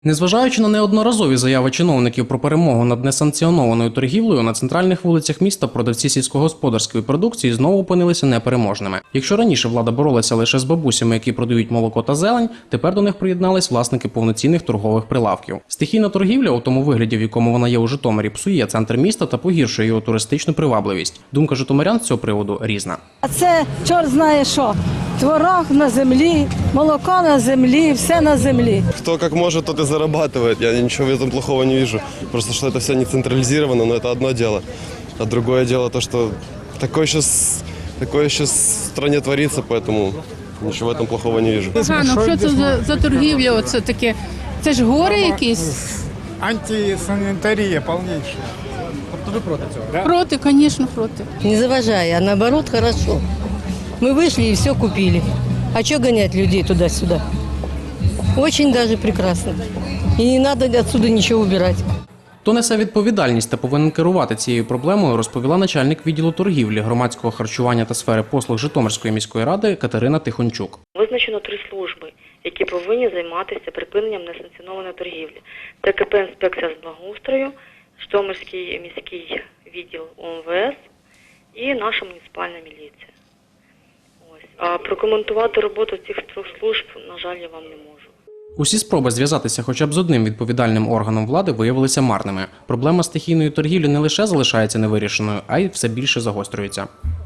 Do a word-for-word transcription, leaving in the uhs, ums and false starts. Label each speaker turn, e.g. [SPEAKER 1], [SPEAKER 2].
[SPEAKER 1] Незважаючи на неодноразові заяви чиновників про перемогу над несанкціонованою торгівлею, на центральних вулицях міста продавці сільськогосподарської продукції знову опинилися непереможними. Якщо раніше влада боролася лише з бабусями, які продають молоко та зелень, тепер до них приєднались власники повноцінних торгових прилавків. Стихійна торгівля, у тому вигляді, в якому вона є у Житомирі, псує центр міста та погіршує його туристичну привабливість. Думка житомирян з цього приводу різна.
[SPEAKER 2] А це чорт знає що. Творог на землі, молоко на землі, все на землі.
[SPEAKER 3] Кто как может, тот и зарабатывает. Я ничего в этом плохого не вижу. Просто что это все не централизировано, но это одно дело. А другое дело то, что такое сейчас, такое сейчас в стране творится, поэтому ничего в этом плохого не вижу.
[SPEAKER 4] Погано, що це за, за торгівля? Оце таке? Це ж гори якісь?
[SPEAKER 5] Антисанітарія повніша.
[SPEAKER 6] Тобто ви проти цього? Да?
[SPEAKER 4] Проти, звісно, проти.
[SPEAKER 7] Не заважая, а наоборот хорошо. Мы вышли и все купили. А что гонять людей туда-сюда? Очень даже прекрасно. И не надо отсюда ничего убирать.
[SPEAKER 1] Хто несе відповідальність та повинен керувати цією проблемою, розповіла начальник відділу торгівлі, громадського харчування та сфери послуг Житомирської міської ради Катерина Тихончук.
[SPEAKER 8] Визначено три служби, які повинні займатися припиненням несанкціонованої торгівлі. Це КП «Інспекція з благоустрою», Житомирський міський відділ УМВС і наша муніципальна міліція. Ось. А прокоментувати роботу цих трьох служб, на жаль, я вам не можу.
[SPEAKER 1] Усі спроби зв'язатися хоча б з одним відповідальним органом влади виявилися марними. Проблема стихійної торгівлі не лише залишається невирішеною, а й все більше загострюється.